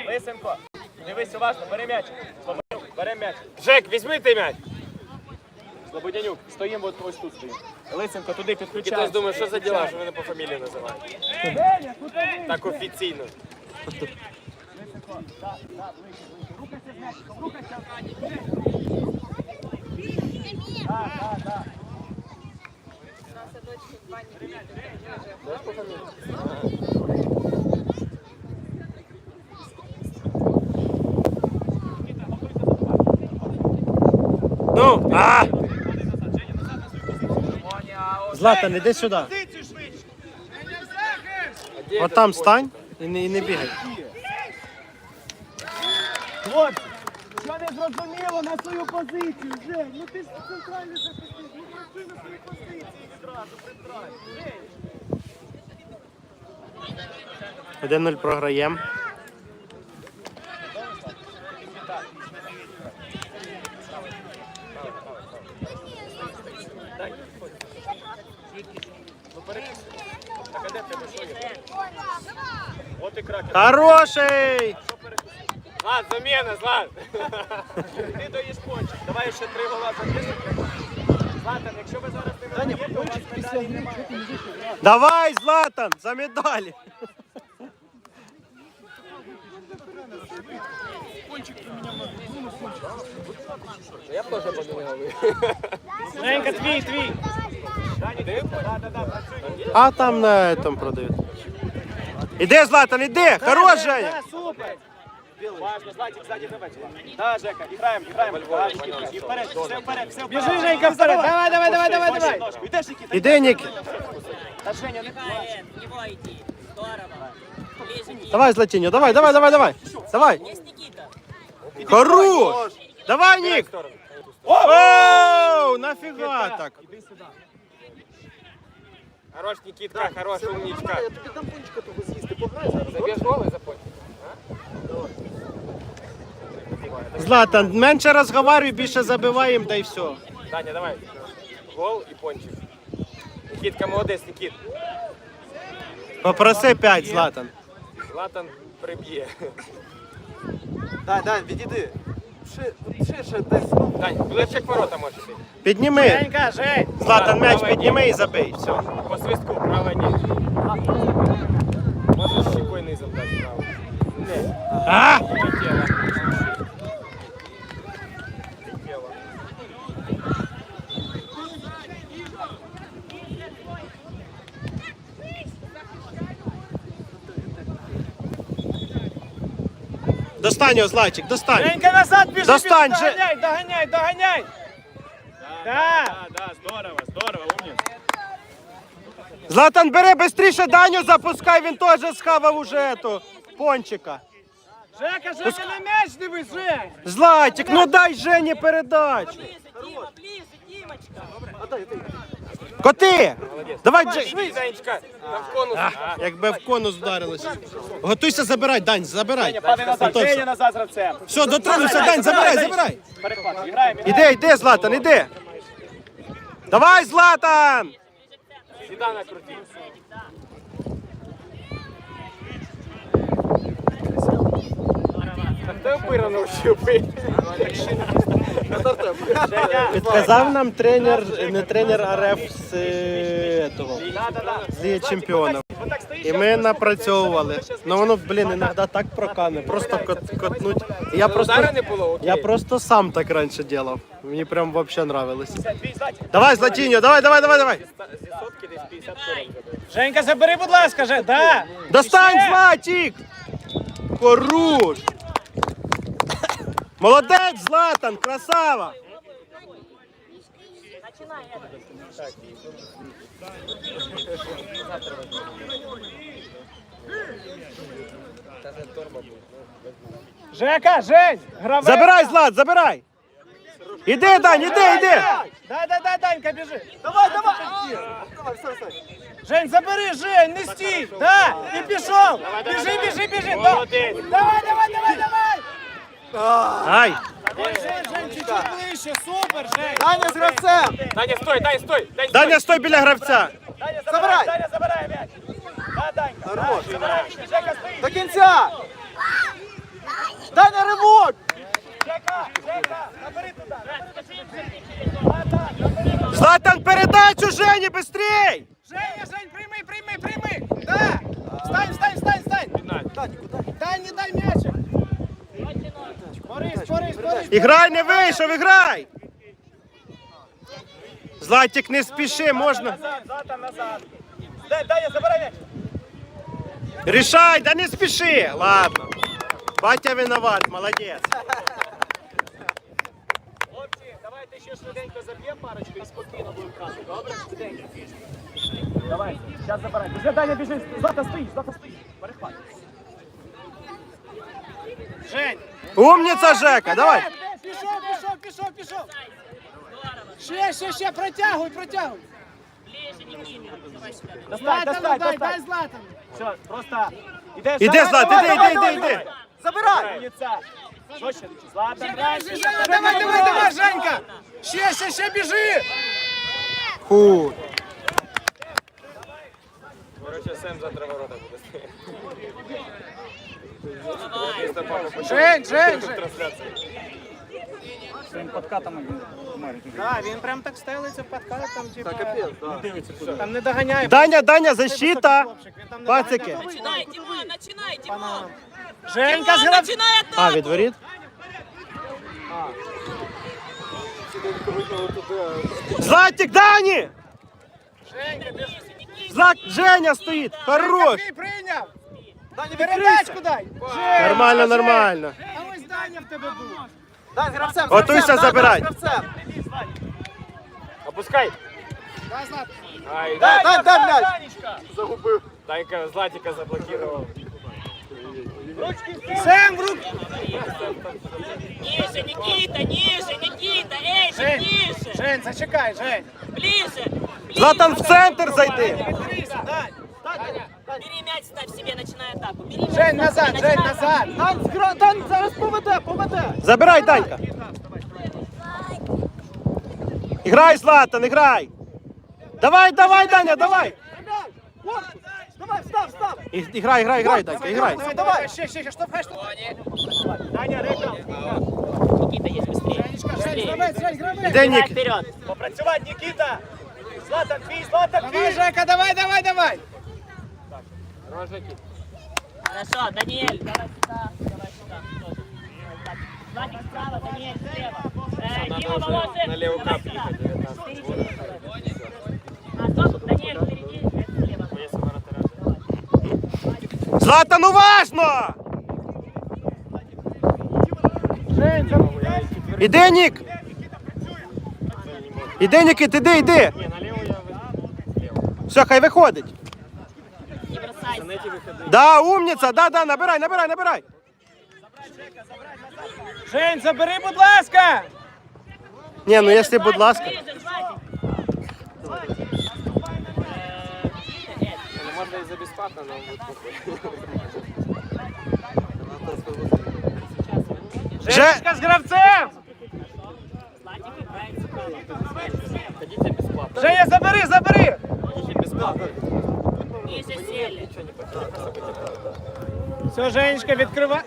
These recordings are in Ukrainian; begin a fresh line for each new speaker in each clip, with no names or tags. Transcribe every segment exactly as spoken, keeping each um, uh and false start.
Лисенко, дивись уважно, бери м'яч. Слободянюк, бери м'яч. Жек, візьми ти м'яч. Слободянюк, стоїмо от ось тут стоїмо. Лисенко туди підключаємо. Хтось думає, що за діла, що мене по фамілії називають. Так офіційно. Рухайся з м'ячиком, рухайся. Так, так, так.
Ну, а! Златан, іди сюди. От там стань і не, і не бігай.
Хлопці, що не зрозуміло на свою позицію, Жень? Ну ти ж центральний захисник, ну працюй на своїй позиції відразу, притрай.
один нуль програємо.
От і кракер.
Хороший!
Злат, заміна, Злат! Ти доїш пончик. Давай ще три гола запишемо. Златан, якщо ви зараз не виграєте, у вас медалі немає.
Давай, Златан, за медалі!
Я б теж поміняв. Женька, твій, твій.
А там на этом продають. Іди, Златан, іди! Хорош, Женя!
Супер! Важно, Златик, сзади давай. Да, Жека, играем, играем. И вперед, все вперед, все вперед. Бежи, Женька, вперед. Давай, давай, давай, давай, давай. Идешь, Никита.
Іди, Нік!
Да, Женя, не
Его идти. Здорово. Ближе,
Давай, Златіньо, давай, давай, давай, давай! Давай!
есть Никита.
Хорош! Давай, Нік! Оу, нафіга так?
Иди сюда.
Хорош, Никитка, хорош, умничка.
Я тобі дам пончика того з'їсти, пограй зараз.
Заб'єш гол і запоть.
Златан, менше розговарюй, більше забиваємо, да і все.
Даня, давай. Гол і пончик. Никитка, молодець, Никит.
Попроси п'ять, Златан.
Златан приб'є.
Дай, дай, відійди. Ширше десь.
Дань, ближче к ворота можеш йти.
Підніми.
Женька, Жень.
Златан, м'яч підніми і забий. Все.
По свистку, права ні. Можеш щекою низом дати право. Не,
А!
летіло. Летіло.
Достань його, Златчик, достань.
Женька, назад біжи,
Достань,
біжи,
Же-
доганяй, доганяй, доганяй. Да.
Да, да, здорово, здорово, умница.
Златан, бери швидше Даню, запускай, він теж схавав уже ету пончика.
Жека, Жека, на м'яч дивись, Жень.
Златик, ну дай Жені передачу.
Ближе, Дима, ближе, Димочка.
Коти! Давай, Дже...
Швидше, Занечка, там в конус.
А, якби в конус вдарилося. Готуйся забирай, Дань, забирай.
Падай назад,
Готовся.
Женя назад з гравцем.
Все, дотронувся, Дань, забирай, забирай.
Перехват, граємо.
Іди, іди, Златан, іди. Давай, Златан!
Сюда накрути. Так ти опира навчив пити.
Підказав нам тренер, не тренер, а реф з е, того, з Ліги Чемпіонів. І ми напрацьовували. Ну воно, блін, іноді так прокане, просто кот, котнуть. І я просто,
Удара не було, окей.
я просто сам так раніше робив. Мені прям взагалі нравилось. Давай, Златіньо, давай, давай, давай, давай.
Зі сотки десь п'ятдесят сорок забив.
Женька, забери, будь ласка, Жень, да.
Достань,
Ще.
Златік! Хорош! Молодець, Златан, красава!
Начинай это.
Жека, Жень, гравець.
Забирай, Злат, забирай! Іди, Дань, іди, іди!
Дай, дай, дай, Данька, біжи. Давай, давай. Давай, все, все. Жень, забери, Жень, не стій. Да, і пішов. Біжи, біжи, біжи. Да.
Молодець.
Давай, давай, давай, давай.
Ай!
Ой, Жень, Жень, чуть-чуть ближче, супер, Жень. Даня з гравцем.
Даня, стой, Даня, стой. Даня, стой.
Даня, стой біля гравця!
Даня, забирай. Даня, забирай м'яч. Да, Данька. Хорош. Забирай, Жека, стоїть. До кінця.
м'яч у Жені, быстрей!
Женя, Жень, прийми, прийми, прийми! Да! Встань, встань, встань, встань! Дай, не дай м'ячик! Борис, Борис, Борис!
Іграй, не вийшов, іграй! Златик, не спіши, можна.
Назад, Златан, назад. Дай, дай, забирай м'яч.
Рішай, да не спіши. Ладно. Батя виноват, молодець.
Хлопці, давайте ще швиденько заб'ємо парочку і спокійно будемо грати. Добре? Швиденько. Давай, зараз забирай. Біжи, Даня, біжи. Злата стоїть, Злата стоїть. Перехват.
Жень!
Умниця, Жека, давай.
Пішов, пішов, пішов, пішов! Ще, ще, ще, протягуй, протягуй!
Ближе, Никита. Давай сюда.
Достань,
Златану
достань,
дай, дай
достань.
Златану!
Все, просто ідеш.
Іди,
давай,
Злат,
давай,
іди,
давай,
іди,
давай,
іди,
давай.
іди.
Забирай. Умниця. Що ще? Златан,
Давай, Женя, давай, давай, давай, Женька! Ще, ще, ще, біжи!
Фу.
Короче, Сэм завтра ворота буде
Жень, Жень, Жень!
трансляції.
Да, він прям так стелиться в подкат, там типа... Там не доганяє.
Даня, Даня, защита.
Хлопчик, він там не
Пацики.
доганяє.
Начинай, Димон, начинай, Димон.
Женька з
Димон,
граб...
начинай атаку.
А, від воріт? Златик, Дані!
Женька, біжи.
Злат, Женя стоїть. Хорош.
Ти прийняв! Передачку дай! Жень,
Нормально,
Жень.
нормально.
А ось Даня в тебе був.
Готуйся, забирай.
Опускай.
Дай, Злат.
Ай,
Дай, дай, дай, Данечка.
загубив. Данька Златика заблокував.
Сэм в руки!
Ниже, Никита, ниже, Никита. Эй, чуть
Жень,
ниже.
Жень, зачекай, Жень.
Ближе. ближе.
Златан в центр зайди.
Відкрийся, Дань.
Бери мяч, ставь себе, начинай атаку. Бери мяч,
Жень,
ставь себе,
назад, Жень,
начинай
назад.
Дан зараз поведе, поведе.
Забирай, Данька. Іграй, Златан, іграй. Давай, давай, Даня, давай.
Давай, встав, встав.
І- Іграй, іграй, іграй, Данька, іграй.
Давай, давай, ще, ще, ще, штовхай, штовхай.
Даня, река.
Никита, есть быстрее.
Женечка, Жень, гравець, Жень, гравець.
Іде
Давай
Нік.
вперед.
Попрацювати, Нікіта. Златан, твій, Златан,
Давай,
твій.
Жека, давай, давай, давай.
Рожики.
Хорошо, Даниэль, давай сюда, давай сюда. тоже. Так, Владик справа, Даниэль слева. Э, Дима,
Надо уже
Волошин,
на левую
давай
кап
сюда.
ехать, девятнадцать.
Впереди, давай. А, стоп, Даниэль, впереди, это слева.
Если вратаря.
Златан, уважно! Іди, Нік! Іди, Нікіт, іди, іди!
Не, налево я возьму.
Все, хай виходить.
Не бросайся.
На эти выходы.
Да, умниця, да, да, набирай, набирай, набирай.
Жень, забери, будь ласка.
Ні, ну якщо, будь ласка.
Ближе, Владик.
Ну, можно и за бесплатно, но будет плохо.
Женечка з гравцем.
Владик играет справа.
Хотите бесплатно?
Женя, забери, забери.
Хотите бесплатно?
Ниже сели.
Все, Женечка, відкривай.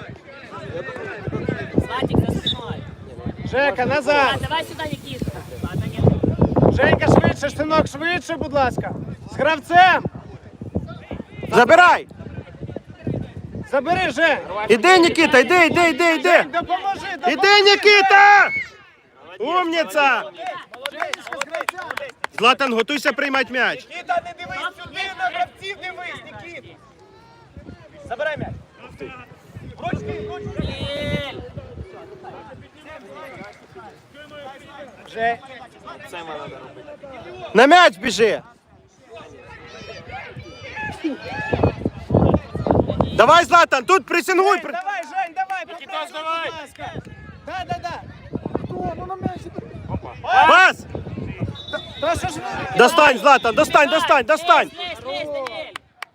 Владик за спиной.
Жека,
А,
назад.
давай сюда, Никита. Ладно, нет.
Женька, швидше, штинок, швидше, будь ласка. З гравцем.
Забирай.
Забери, Жень.
Іди, Нікіта, іди, іди, іди, іди.
Жень, допоможи, допоможи.
Іди, Нікіта! Умниця!
Женечка з гравцем.
Златан, готуйся приймати м'яч.
Нікіта, не дивись сюди, на гравців дивись, Нікіта. Забирай м'яч. Ручки, ручки.
Даниэль.
Жень.
Сэма надо робити.
На м'яч біжи. Давай, Златан, тут пресингуй. при-
Давай, Жень, давай, попробуй,
давай.
будь ласка. Да, да, да. Хто? Ну на м'яч.
Пас!
Та що ж ви?
Достань, Златан, достань, достань, достань.
Лезь, лезь, Даниэль.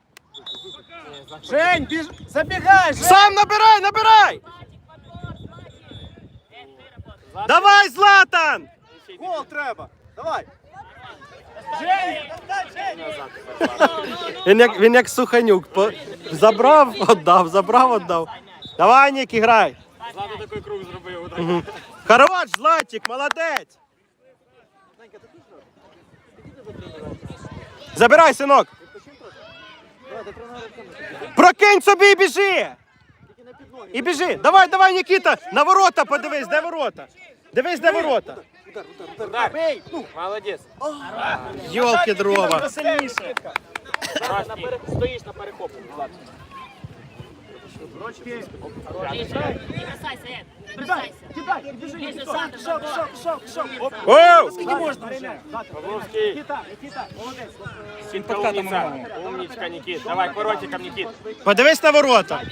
Жень, біж... забігай, Жень.
Сам набирай, набирай. Давай, Златан!
Гол треба. Давай.
Жень.
Він як, він як Суханюк. По- Забрав, віддав, забрав, віддав. Давай, Нік, іграй.
Злата такий круг зробив. отак.
Мгм. Хорош, Златик, молодець. Забирай, синок. Прокинь собі і біжи. І біжи. Давай, давай, Нікіта. На ворота подивись, де ворота. Дивись, де ворота.
Удар. Молодець.
Йолки дрова.
Сильніше. На пере- Стоїш на перехопу. Влад.
Ближе. Не бросайся, Эд. Не бросайся.
Кидай, біжи,
Ближе,
Нікіта.
Сандра,
Шок,
давай.
шок, шок, шок. Оп.
Оу!
Скільки можна вже?
Павловський.
Нікіта, Нікіта, молодець.
Сінка умниця. Умничка, Нікіт. Давай, воротиком, Нікіт.
Подивись на ворота.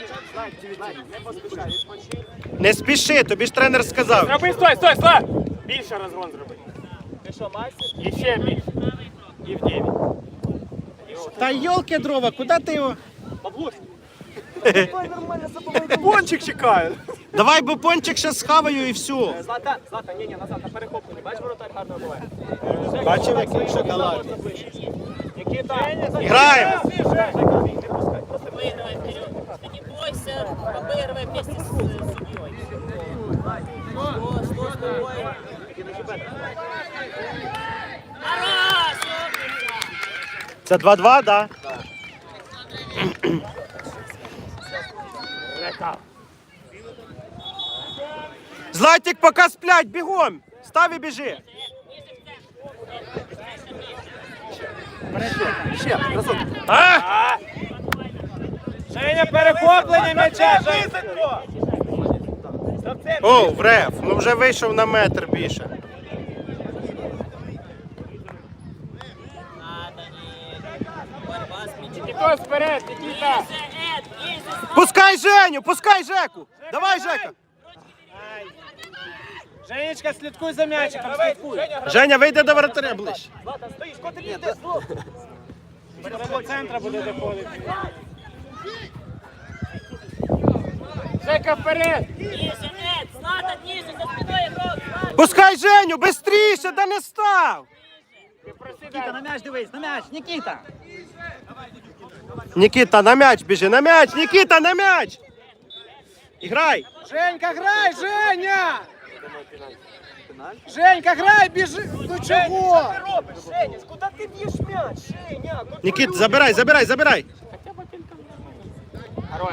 Не спіши, тобі ж тренер сказав.
Зроби, стой, стой, стой. Більше розгон зроби.
Ти що, майстер?
І ще більше. І в дев'ять.
Та йолки дрова, куди ти його?
Пончик чекає.
Давай, бо пончик ще схаваю і все.
Злата, Злата, ні, ні, назад, на перехопу. Не бачиш, воротар гарно буває.
Бачив, який шоколад.
Нікіта.
Граємо.
Выигрывай вперед. Ты не бойся, обыгрывай вместе с судьей. Что, что с тобой? Хорош! умница!
Це два-два, да? Златик, поки сплять, бігом. Став і біжи.
Ще, разок.
А?
Женя, перехоплення м'яча. Женя.
О, врев, ну вже вийшов на метр більше.
Надо, не. Борьба с мячом.
Нікіто вперед, Нікіта.
Ближе, Эд, ближе, Сандра.
Пускай Женю, пускай Жеку. Давай, Жека.
Женечка, слідкуй за м'ячиком, слідкуй.
Женя, вийде до воротаря ближче.
Злата, стоїш, куди ти йдеш? До центра буде доходити.
Жека вперед.
Ниже, Эд, Злата, ниже, за спиной игрок. Злата.
Пускай Женю, бистріше, да не став.
Нікіта, на м'яч дивись, на м'яч, Нікіта.
Нікіта, на м'яч біжи, на м'яч, Нікіта, на м'яч. Іграй.
Женька, грай, Женя! Женька, грай, біжи! Ну чого?
Що ти робиш, Женя? Куди ти б'єш м'яч, Женя?
Нікіт, забирай, забирай, забирай.
Хорош.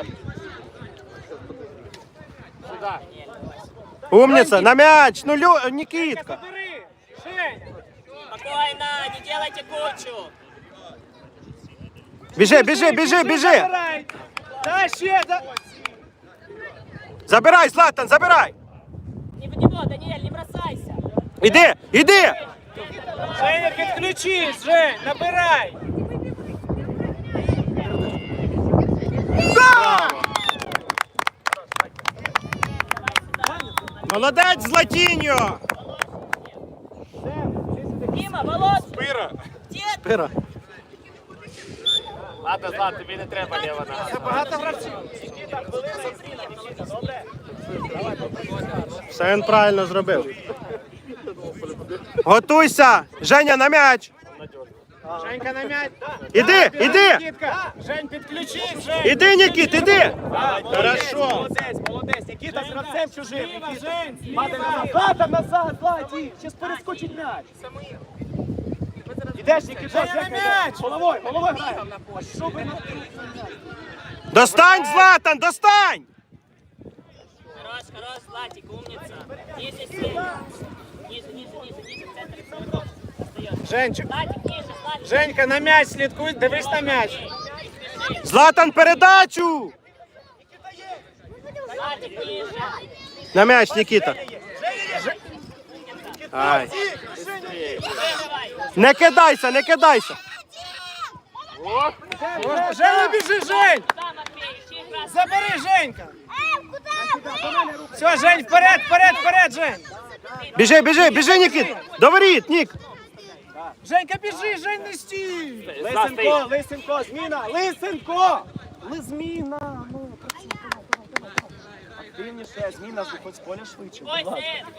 Сюда.
Умниця, на м'яч, ну Лю... Нікітка.
Бери, Женя.
Спокойно, не делайте кучу.
Біжи, біжи, біжи, біжи.
Забирай. Та ще, да.
Забирай, Златан, забирай.
Не в него, Даниэль, не бросайся.
Іди, іди.
Женя, підключись, Жень, набирай.
Молодець, Златіньо.
Дима, Володь,
Спира.
дед.
Пира.
Ладно, Злат, тобі не треба ліва нога.
Багато гравців.
Все він правильно зробив. Готуйся. Женя, на м'яч.
Женька на м'яч.
Іди, іди.
Нікітка. Жень, підключись, Жень.
Іди, Нікіт, іди.
Молодець,
Хорошо.
молодець, молодець. Нікіта з гравцем чужим. Нікіта. Мати назад. Злата, назад, Златі. Щас перескочить м'яч. Ідеш, Нікіта, Женя, м'яч. Головою, головою грає. Що ви?
Достань, Златан, достань.
Хорош, хорош, Златик, умница. Ниже, Сеня. Ниже, ниже, ниже, ниже, в центре игрок. Остаёшься.
Женчик.
Златик, ниже, Златик.
Женька, на м'яч слідкуй, дивись на м'яч.
Златан, передачу.
Златик, ниже.
На м'яч, Нікіта. Ай. Не кидайся, не кидайся.
Женя, біжи, Жень.
Да, Матвей, ищи игра.
Забери, Женька. Все, Жень, вперед, вперед, вперед, Жень.
Біжи, біжи, біжи, Нікіт. До воріт, Нік.
Женька, біжи, Жень, не стій.
Лисенко,
Лисенко, Лисенко, зміна, Лисенко. Ли, зміна, ну, працюй. Активніше, зміна, виходь з поля швидше.
Ой,
будь ласка.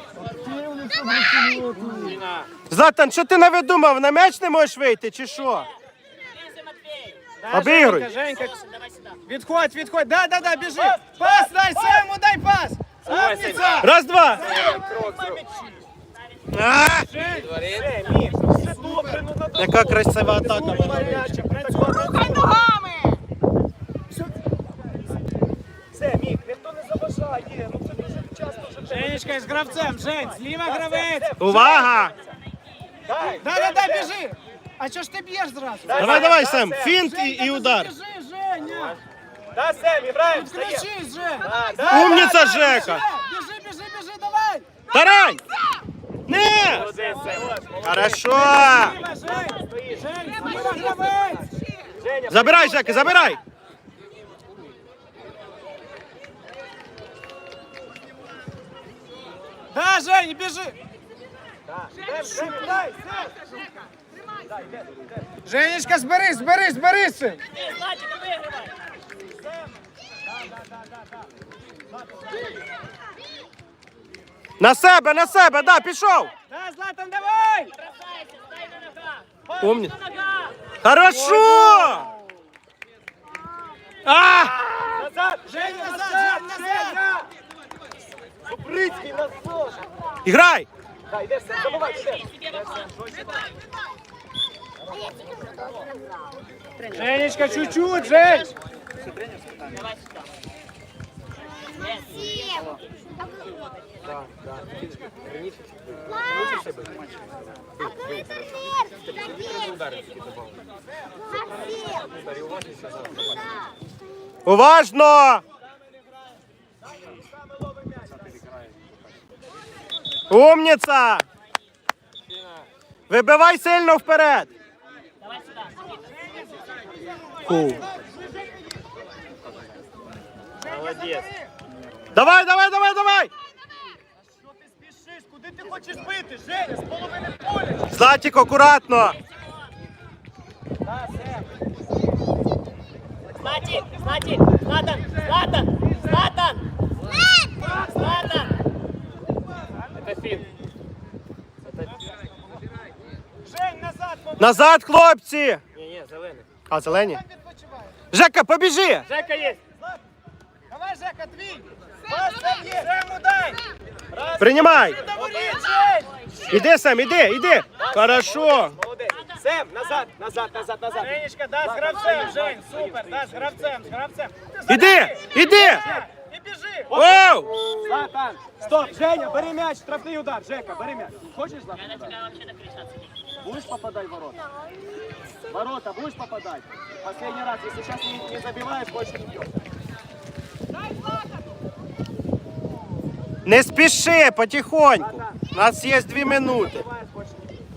Сет.
Златан, що ти навидумав? На м'яч не можеш вийти, чи що?
Ближе, Матвей.
Да,
Обігруй.
Женька, Женька,
Давай сюда.
відходь, відходь, да, да, да, біжи. Пас, дай Сему, дай пас. Умниця.
Раз, два. А!
Жень, все, Міш, все добре, ну надо
Яка красива атака була.
М'ячик, працювати.
Рухай ногами!
Все, Мік, ніхто не заважає. Ну це дуже часто вже.
Женечка з гравцем, Жень, зліва гравець!
Увага!
Дай,
Да, да, да, біжи! А чого ж ти б'єш зразу?
Давай, давай, Сем, фінт і, і удар.
Біжи, Женя!
Да, Сем, граємо, встає.
Включись, Жень!
Да, да,
Умніця,
да,
Жека!
Біжи, біжи, біжи, давай!
Тарань! Не!
молодець, Сем.
Хорошо!
Зліва, Жень! Жень, зліва гравець!
Женя,
Забирай, Жека, забирай!
Да, Жень, біжи!
Сем, Сем, грай, Сем.
Женечка, зберись, зберись, зберись!
Ти, Златик, вигравай.
На себе, на себе, да, пішов!
Да, Златан, давай!
Бросайся, стай на ногах.
Умні.
На ногах.
Хорошо! А!
Назад,
Женя, назад, Жень, назад!
Зубрицький, назад.
Іграй!
Да, йдеш, Сем, забувай, йдеш.
Тебе в обход.
Женечка, чуть-чуть, Жень!
Давай сюда.
Уважно! Умніця! Вибивай сильно вперед!
Давай сюда.
Фу.
Молодець.
Давай, давай, давай, давай!
Що ти спішиш? Куди ти хочеш бити, Женя? З половини поля.
Златік, акуратно!
Да, Сем.
Златик, Златик, Златан, Златан, Златан. Златан.
Це фін.
Жень, назад, мов-
Назад, хлопці!
Ні, ні, зелений.
А, зелені?
відпочивай.
Жека, побіжи!
Жека є.
Давай, Жека, твій! Пас там є! Жему дай!
Приймай!
Говори, Жень!
Іди, Сем, іди, іди! Хорошо!
Молодець. Сем, назад, назад, назад, назад.
Женечка, да, з гравцем, Жень, супер, да, з гравцем, з гравцем.
Іди, іди!
І біжи!
Оу!
Златан, стоп, Женя, бери м'яч, штрафний удар. Жека, бери м'яч. Хочеш, Златан?
Я на тебя вообще накричаться не буду.
Будешь попадать в ворота? Ворота будешь попадать? Последний раз, если сейчас не, не забиваешь, больше не бьешь.
Не спіши, потихоньку. У нас є дві минути.
Забиваешь, больше не бьешь.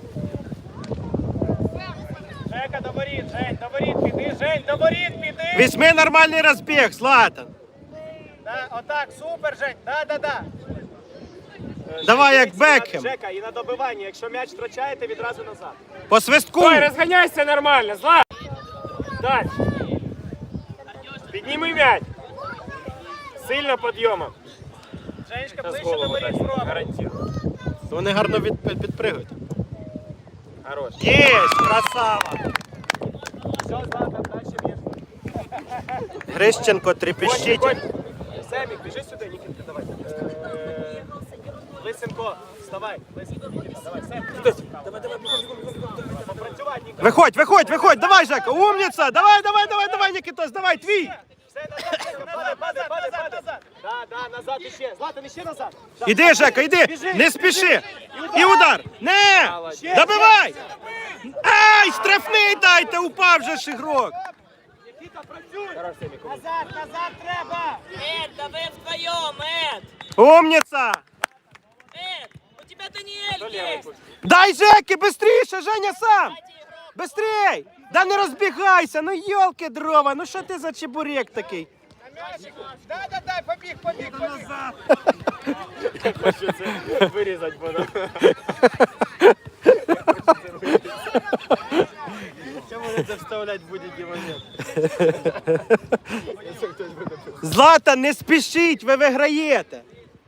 Жека, до воріт, Жень, до воріт піди, Жень, до воріт піди!
Візьми нормальний розбіг, Златан.
Да, отак, супер, Жень, да, да, да.
Давай, як Бекхем.
Жека, і на добиванні, якщо м'яч втрачаєте, відразу назад.
По свистку.
Ой, розганяйся нормально, Злат! Дай! Підніми м'яч! Сильно підйомом.
Женечка,
Зараз
ближче до
голову
воріт
дай,
спробуй.
гарантирую.
Вони гарно від, під- підпригують.
Хорош.
Єсть, красава.
Все, Златан, дальше б'єш.
Грищенко, трепещіть.
Семік, біжи сюди, Нікітка, давай. Е, Лисенко, вставай. Лисенко, Нікіта, давай. Семік, давай, давай, бігом, бігом, бігом, бігом. Попрацювати, Нікіта.
Виходь, виходь, виходь, давай, Жека, умніця, давай, давай, давай, давай, Нікітос, давай, твій.
Все, назад, Жека, падай, падай, падай, падай. Да, да, назад іще. Златан, іще назад. Да.
Іди, Жека, іди, не спіши. І удар. Не, добивай. Ай, штрафний дайте, упав же ж ігрок.
Нікіта, працюй.
Назад, назад треба!
Эд, да вы вдвоем, Эд.
Умніця.
Эд, у тебя Даниэль есть.
Дай Жеки, быстріше, Женя сам. Быстрей. Да не розбігайся, ну йолки дрова, ну що ти за чебурек такий?
На м'ячику! Да, да, да, побіг, побіг, побіг!
Хочу це вирізати буду.
Чому вони це вставлять в будь-який момент?
Златан, не спішіть, ви виграєте.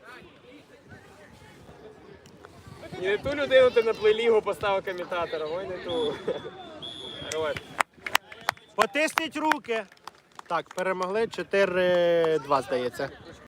І не ту людину ти на плейлігу поставив коментатором, ой не ту. Хорош.
Потисніть руки. Так, перемогли чотири два, здається.